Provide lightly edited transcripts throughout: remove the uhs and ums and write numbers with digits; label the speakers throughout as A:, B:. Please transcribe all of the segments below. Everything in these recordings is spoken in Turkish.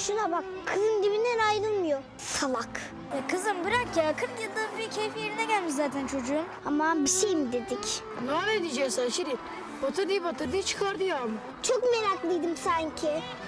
A: Şuna bak, kızın dibinden ayrılmıyor. Salak.
B: Ya kızım bırak ya. 40 yılda bir keyfi yerine gelmiş zaten çocuğun.
A: Aman bir şey mi dedik?
C: Ne diyeceksin sen Şirin? Batırdı çıkardı ya.
A: Çok meraklıydım sanki.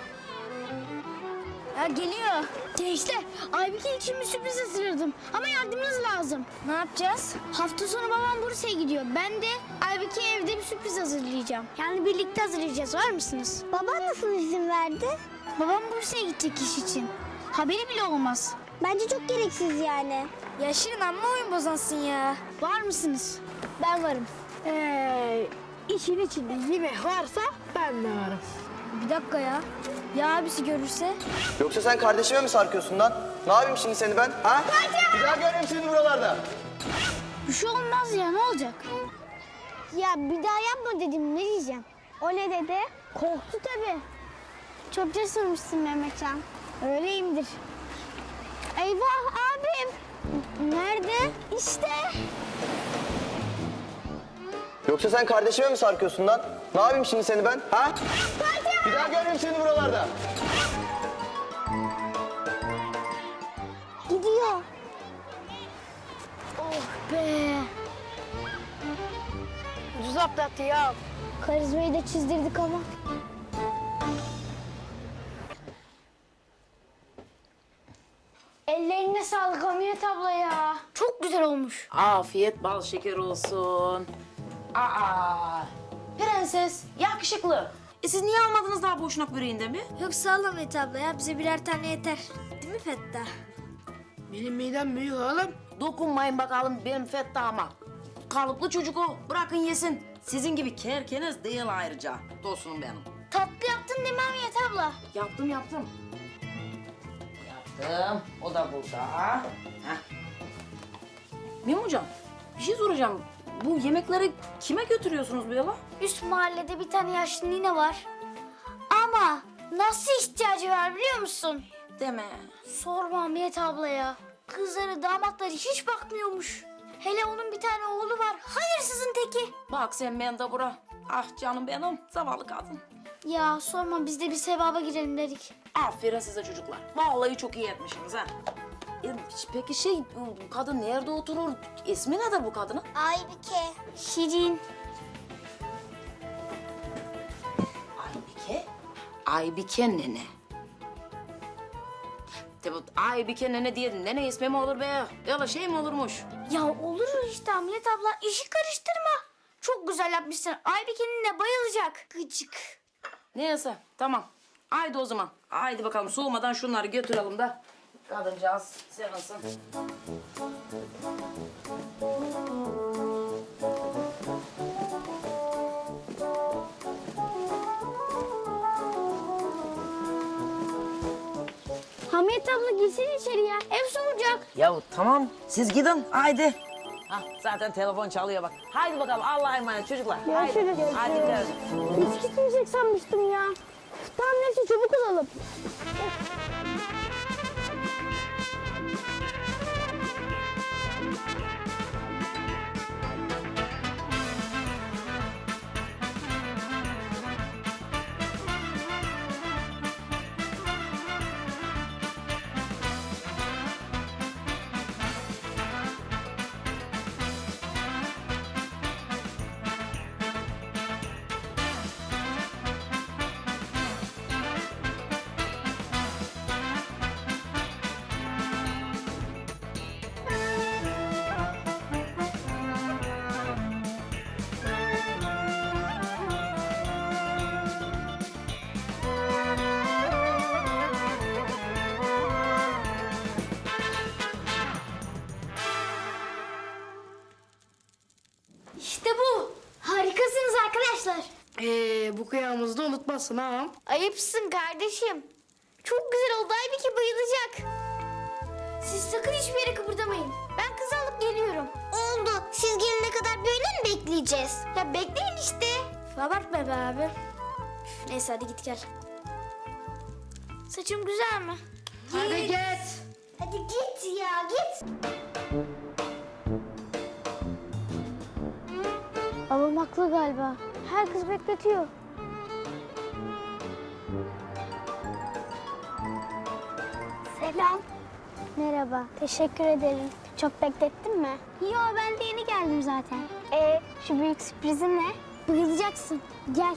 B: Ya geliyor.
A: Gençler, Aybike için bir sürpriz hazırladım. Ama yardımınız lazım.
B: Ne yapacağız?
A: Hafta sonu babam Bursa'ya gidiyor. Ben de Aybike'ye evde bir sürpriz hazırlayacağım. Yani birlikte hazırlayacağız. Var mısınız? Baban nasıl izin verdi?
B: Babam Bursa'ya gidecek iş için. Haberi bile olmaz.
A: Bence çok gereksiz yani.
B: Ya Şirin amma oyun bozansın ya.
A: Var mısınız? Ben varım.
C: İşin içinde yemek varsa ben de varım.
B: Bir dakika ya. Ya abisi görürse?
D: Yoksa sen kardeşime mi sarkıyorsun lan? Ne yapayım şimdi seni ben? Ha? Bir daha görmeyeyim seni buralarda.
A: Bir şey olmaz ya, ne olacak? Ya bir daha yapma dedim, ne diyeceğim? O ne dedi? Korktu tabii. Çok cesurmuşsun Mehmetcan. Öyleyimdir. Eyvah abim. Nerede? İşte.
D: Yoksa sen kardeşime mi sarkıyorsun lan? Ne yapayım şimdi seni ben? Ha? Bir daha görmeyeyim seni buralarda.
A: Gidiyor.
B: Oh be.
C: Ucuz atlattı ya.
A: Karizmayı da çizdirdik ama. Ellerine sağlık Hamiyet abla ya. Çok güzel olmuş.
E: Afiyet bal şeker olsun. Aa, prenses, yakışıklı. Siz niye almadınız daha boşnak böreğinde mi?
B: Yok sağ ol Ahmet abla ya. Bize birer tane yeter. Değil mi Fettah?
C: Benim midem büyük oğlum.
E: Dokunmayın bakalım benim Fettah'ıma. Kalıplı çocuk o, bırakın yesin. Sizin gibi kerkeniz değil ayrıca. Dostum benim.
A: Tatlı yaptın değil mi Hamiyet abla?
E: Yaptım. Yaptım. O da burada. Heh. Mim hocam, bir şey soracağım. Bu yemekleri kime götürüyorsunuz böyle?
A: Üst mahallede bir tane yaşlı nine var. Ama nasıl ihtiyacı var biliyor musun?
E: Deme.
A: Sorma Hamiyet abla ya. Kızları, damatları hiç bakmıyormuş. Hele onun bir tane oğlu var. Hayırsızın teki.
E: Bak sen Mendebura. Ah canım benim, zavallı kadın.
A: Ya sorma, biz de bir sevaba girelim dedik.
E: Aferin size çocuklar. Vallahi çok iyi etmişsiniz ha. Peki bu kadın nerede oturur? İsmi nedir bu kadının?
A: Aybike. Şirin.
E: Aybike. Aybike nene. Tabii Aybike nene diye nene ismi mi olur be? Öyle şey mi olurmuş?
A: Ya olur işte Hamiyet abla. İşi karıştırma. Çok güzel yapmışsın. Aybike'nin de bayılacak. Gıcık.
E: Neyse tamam. Haydi o zaman. Haydi bakalım soğumadan şunları götürelim de kadıncağız sevinsin.
A: Hamiyet abla girsin içeri ya. Ev soğuyacak.
E: Ya tamam siz gidin haydi. Hah, zaten telefon çalıyor bak. Haydi bakalım Allah'a emanet çocuklar.
A: Görüşürüz.
E: Haydi gidelim.
A: Hiç gitmeyecek sanmıştım ya. Tamam neyse çabuk olalım. İşte bu. Harikasınız arkadaşlar.
C: Bu kıyamızı da unutmazsın ha.
A: Ayıpsın kardeşim. Çok güzel oldu. Aybike bayılacak. Siz sakın hiçbir yere kıpırdamayın. Ben kızı alıp geliyorum. Oldu. Siz gelene kadar böyle mi bekleyeceğiz? Ya bekleyin işte.
B: Abartma be abi.
A: Neyse hadi git gel. Saçım güzel mi?
C: Hadi git.
A: Hadi git ya git. Babam haklı galiba. Her kız bekletiyor. Selam. Merhaba. Teşekkür ederim. Çok beklettin mi? Yo, ben de yeni geldim zaten. Şu büyük sürprizin ne? Bayılacaksın. Gel.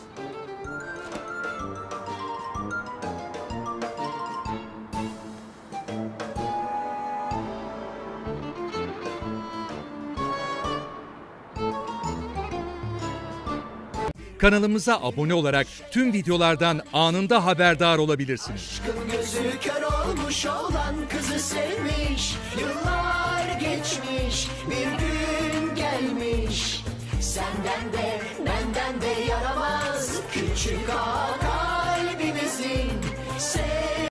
F: Kanalımıza abone olarak tüm videolardan anında haberdar olabilirsiniz.
G: Gözü kör olmuş olan kızı sevmiş. Yıllar geçmiş, bir gün gelmiş. Senden de benden de yaramaz küçük ağa